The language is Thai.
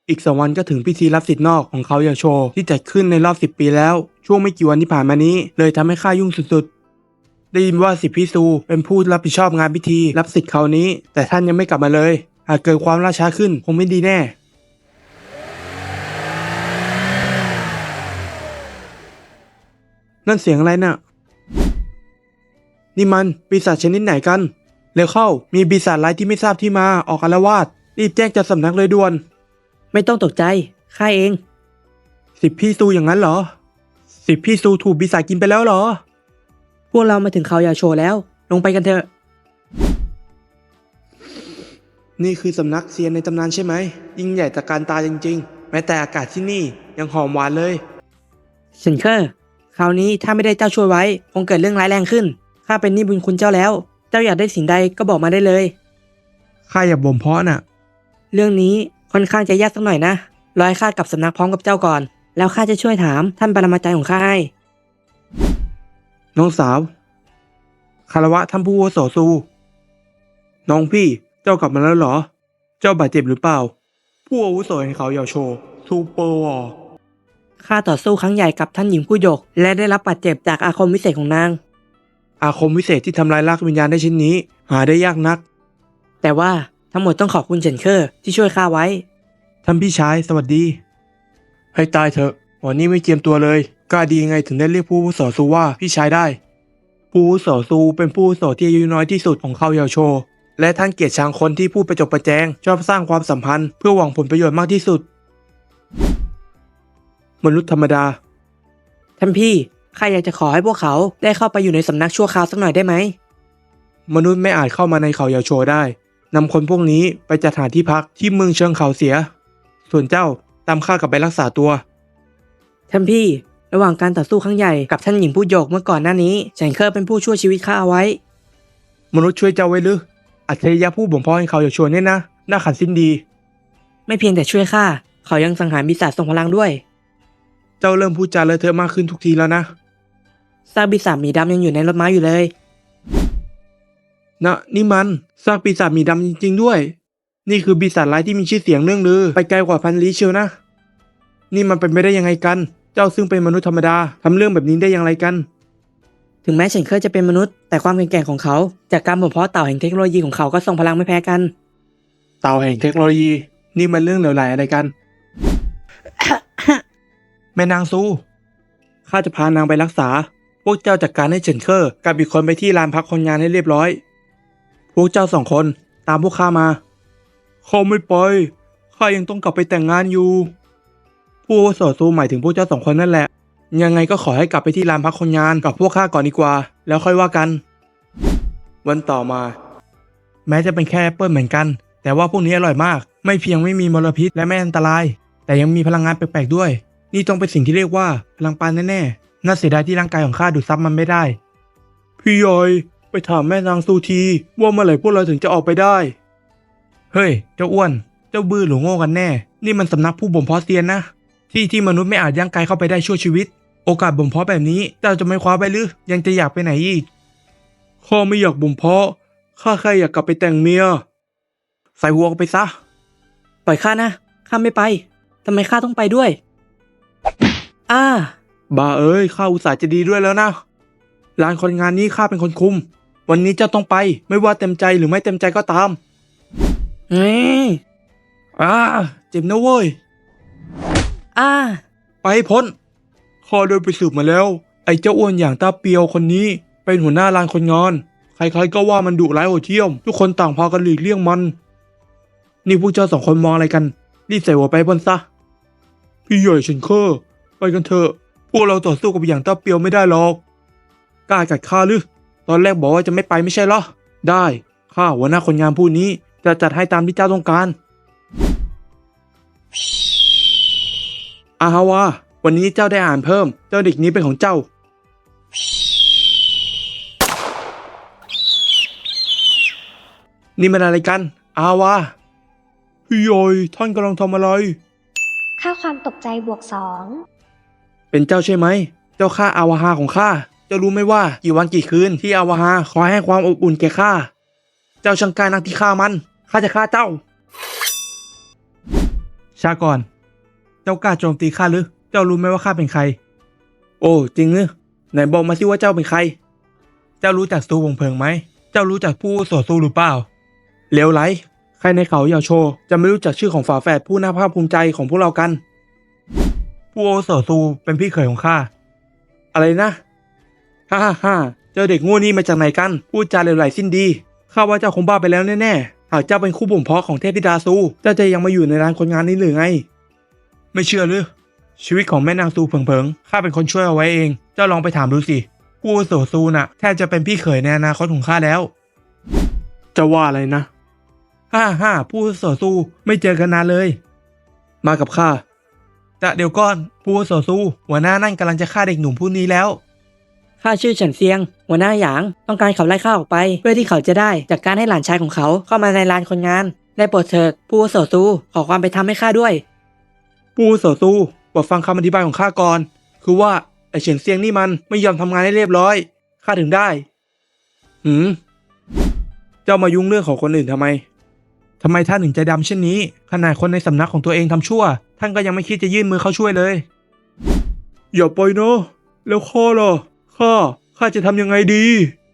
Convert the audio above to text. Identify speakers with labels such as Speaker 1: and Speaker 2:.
Speaker 1: อีก2 วันก็ถึงพิธีรับสิทธิ์นอกของเขาอย่างโชว์ที่จัดขึ้นในรอบ10 ปีแล้วช่วงไม่กี่วันที่ผ่านมานี้เลยทำให้ข้ายุ่งสุดๆได้ยินว่าสิทธิพี่ซูเป็นผู้รับผิดชอบงานพิธีรับสิทธิ์คราวนี้แต่ท่านยังไม่กลับมาเลยหากเกิดความล่าช้าขึ้นคงไม่ดีแน่นั่นเสียงอะไรน่ะนี่มันปีศาจชนิดไหนกันเร็วเข้ามีปีศาจร้ายที่ไม่ทราบที่มาออกอาละวาดรีบแจ้งเจ้าสำนักเลยด่วน
Speaker 2: ไม่ต้องตกใจข้าเอง
Speaker 1: สิทธิพี่ซูอย่างนั้นเหรอสิทธิพี่ซูถูกปีศาจกินไปแล้วเหรอ
Speaker 2: พวกเรามาถึงเขายาโชแล้วลงไปกันเถอะ
Speaker 1: นี่คือสำนักเซียนในตำนานใช่ไหมยิ่งใหญ่ตระการตาจริงๆแม้แต่อากาศที่นี่ยังหอมหวานเลย
Speaker 2: เฉินเคอร์คราวนี้ถ้าไม่ได้เจ้าช่วยไว้คงเกิดเรื่องร้ายแรงขึ้นข้าเป็นหนี้บุญคุณเจ้าแล้วเจ้าอยากได้สิ่งใดก็บอกมาได้เลย
Speaker 1: ข้าอยากบ่มเพาะน่ะ
Speaker 2: เรื่องนี้ค่อนข้างจะยากสักหน่อยนะรอให้ข้ากลับสำนักพร้อมกับเจ้าก่อนแล้วข้าจะช่วยถามท่านปรมาจารย์ของข้าให้
Speaker 1: น้องสาวคารวะท่านผู้อาวุโสซูน้องพี่เจ้ากลับมาแล้วเหรอเจ้าบาดเจ็บหรือเปล่าผู้อาวุโสแห่งเขาเหยาโชซูเปอร์วอร์
Speaker 2: ข้าต่อสู้ครั้งใหญ่กับท่านหญิงผู้หยกและได้รับบาดเจ็บจากอาคมวิเศษของนาง
Speaker 1: อาคมวิเศษที่ทำลายรากวิญญาณได้ชิ้นนี้หาได้ยากนัก
Speaker 2: แต่ว่าทั้งหมดต้องขอบคุณเฉินเคอร์ที่ช่วยข้าไว้
Speaker 1: ท่านพี่ชายสวัสดีให้ตายเถอะวันนี้ไม่เจียมตัวเลยกล้าดียังไงถึงได้เรียกผู้อาวุโสซูว่าพี่ชายได้ผู้อาวุโสซูเป็นผู้อาวุโสที่อายุน้อยที่สุดของเขาเหยาโชและท่านเกลียดชังคนที่พูดประจบประแจงชอบสร้างความสัมพันธ์เพื่อหวังผลประโยชน์มากที่สุดมนุษย์ธรรมดา
Speaker 2: ท่านพี่ข้าอยากจะขอให้พวกเขาได้เข้าไปอยู่ในสำนักชั่วคราวสักหน่อยได้ไหม
Speaker 1: มนุษย์ไม่อาจเข้ามาในเขาเหยาโชได้นำคนพวกนี้ไปจัดหาที่พักที่เมืองเชิงเขาเสียส่วนเจ้าตามข้ากลับไปรักษาตัว
Speaker 2: ท่านพี่ระหว่างการต่อสู้ครั้งใหญ่กับท่านหญิงผู้หยกเมื่อก่อนหน้านี้เฉินเคอร์เป็นผู้ช่วยชีวิตข้าเอาไว้
Speaker 1: มนุษย์ช่วยเจ้าไว้หรืออัจฉริยะผู้บ่มเพาะให้เขาเหยาโชเนี่ยนะน่าขันสิ้นดี
Speaker 2: ไม่เพียงแต่ช่วยข้าเขายังสังหารปีศาจทรงพลังด้วย
Speaker 1: เจ้าเริ่มพูดจาเลอะเทอะมากขึ้นทุกทีแล้วนะ
Speaker 2: ซากปีศาจหมีดำยังอยู่ในรถม้าอยู่เลย
Speaker 1: นะนี่มันซากปีศาจหมีดำจริงๆด้วยนี่คือปีศาจร้ายที่มีชื่อเสียงเรื่องลือไปไกลกว่าพันลี้เชียวนะนี่มันเป็นไปได้ยังไงกันเจ้าซึ่งเป็นมนุษย์ธรรมดาทำเรื่องแบบนี้ได้อย่างไรกัน
Speaker 2: ถึงแม้เฉินเคอร์จะเป็นมนุษย์แต่ความแข็งแกร่งของเขาจากการบ่มเพาะเต่าแห่งเทคโนโลยีของเขาก็ทรงพลังไม่แพ้กัน
Speaker 1: เต่าแห่งเทคโนโลยีนี่มันเรื่องเหลวไหลอะไรกัน แม่นางซูข้าจะพานางไปรักษาพวกเจ้าจัดการให้เฉินเคอร์กับอีกคนไปที่ลานพักคนงานให้เรียบร้อยพวกเจ้า2 คนตามพวกข้ามาเขาไม่ไปข้ายังต้องกลับไปแต่งงานอยู่ผู้อาวุโสซูหมายถึงพวกเจ้า2 คนนั่นแหละยังไงก็ขอให้กลับไปที่ลานพักคนงานกับพวกข้าก่อนดีกว่าแล้วค่อยว่ากันวันต่อมาแม้จะเป็นแค่แอปเปิลเหมือนกันแต่ว่าพวกนี้อร่อยมากไม่เพียงไม่มีมลพิษและไม่อันตรายแต่ยังมีพลังงานแปลกๆด้วยนี่ต้องเป็นสิ่งที่เรียกว่าพลังปานแน่ๆน่าเสียดายที่ร่างกายของข้าดูดซับมันไม่ได้พี่ยอยไปถามแม่นางซูทีว่าเมื่อไหร่พวกเราถึงจะออกไปได้เฮ้ยเจ้าอ้วนเจ้าบื้อหรือโง่กันแน่นี่มันสำนักผู้บ่มเพาะเซียนนะที่มนุษย์ไม่อาจย่างกายเข้าไปได้ชั่วชีวิตโอกาสบ่มเพาะแบบนี้เจ้าจะไม่คว้าไปหรือยังจะอยากไปไหนอีกข้าไม่อยากบ่มเพาะข้าแค่อยากกลับไปแต่งเมียใส่หัวไปซะ
Speaker 2: ปล่อยข้านะข้าไม่ไปทำไมข้าต้องไปด้วย
Speaker 1: บ้าเอ้ยข้าอุตส่าห์จะดีด้วยแล้วนะร้านคนงานนี้ข้าเป็นคนคุมวันนี้เจ้าต้องไปไม่ว่าเต็มใจหรือไม่เต็มใจก็ตามเจ็บนะเว้ยไปพ้นข้าโดนไปสืบมาแล้วไอ้เจ้าอ้วนอย่างตาเปียวคนนี้เป็นหัวหน้าร้านคนงานใครๆก็ว่ามันดุร้ายโหดเหี้ยมทุกคนต่างพากันหลีกเลี่ยงมันนี่พวกเจ้า2 คนมองอะไรกันรีบใส่หัวไปพ้นซะพี่ใหญ่เฉินเคอร์ไปกันเถอะพวกเราต่อสู้กับอย่างตาเปียวไม่ได้หรอกกล้ากัดข้าหรือตอนแรกบอกว่าจะไม่ไปไม่ใช่เหรอได้ข้าหัวหน้าคนงานผู้นี้จะจัดให้ตามที่เจ้าต้องการอาฮาวาวันนี้เจ้าได้อ่านเพิ่มเจ้าเด็กนี้เป็นของเจ้านี่มันอะไรกันอาฮาวาพี่ยอยท่านกำลังทำอะไร
Speaker 3: ค่าความตกใจบวก
Speaker 1: เป็นเจ้าใช่ไหมเจ้าข้าอาวาฮาของข้าเจ้ารู้ไหมว่ากี่วันกี่คืนที่อาวาฮาคอยให้ความอบอุ่นแก่ข้าเจ้าช่างกล้านักที่ฆ่ามันข้าจะฆ่าเจ้าช้าก่อน เจ้ากล้าโจมตีข้าหรือ เจ้ารู้ไหมว่าข้าเป็นใคร โอ้จริงหรือไหนบอกมาสิว่าเจ้าเป็นใคร เจ้ารู้จักซูวงเพิงไหม เจ้ารู้จักผู้อาวุโสซูหรือเปล่าเลวไหลใครในเขาเหยาโชจะไม่รู้จักชื่อของฝาแฝดผู้น่าภาคภูมิใจของพวกเรากัน ผู้อาวุโสซูเป็นพี่เขยของข้า อะไรนะฮ่าฮ่าฮ่าเจ้าเด็กโง่นี่มาจากไหนกัน พูดจาเหลวไหลสิ้นดี ข้าว่าเจ้าคงบ้าไปแล้วแน่ๆ หากเจ้าเป็นคู่บ่มเพาะของเทพธิดาซู เจ้าจะยังมาอยู่ในร้านคนงานนี้หรือไง ไม่เชื่อหรือ ชีวิตของแม่นางซูเผิงๆ ข้าเป็นคนช่วยเอาไว้เอง เจ้าลองไปถามดูสิ ผู้อาวุโสซูน่ะแทบจะเป็นพี่เขยในอนาคตของข้าแล้ว จะว่าอะไรนะ ฮ่าฮ่าผู้อาวุโสซูไม่เจอกันนานเลย มากับข้าแต่เดี๋ยวก่อนผู้อาวุโสซูหัวหน้านั่นกำลังจะฆ่าเด็กหนุ่มผู้นี้แล้ว
Speaker 2: ข้าชื่อเฉินเซียง หัวหน้าหยาง ต้องการเขาไล่ข้าออกไป เพื่อที่เขาจะได้จัดการให้หลานชายของเขาเข้ามาในลานคนงาน ได้โปรดเถิดผู้อาวุโสซูขอความเป็นธรรมให้ข้าด้วย
Speaker 1: ผู้อาวุโสซูโปรดฟังคำอธิบายของข้าก่อน คือว่าไอเฉินเซียงนี่มันไม่ยอมทำงานให้เรียบร้อย ข้าถึงได้ เจ้ามายุ่งเรื่องของคนอื่นทำไมท่านถึงใจดำเช่นนี้ ขนาดคนในสำนักของตัวเองทำชั่ว ท่านก็ยังไม่คิดจะยื่นมือเข้าช่วยเลย อย่าปล่อยเนาะแล้วข้าล่ะข้าจะทำยังไงดี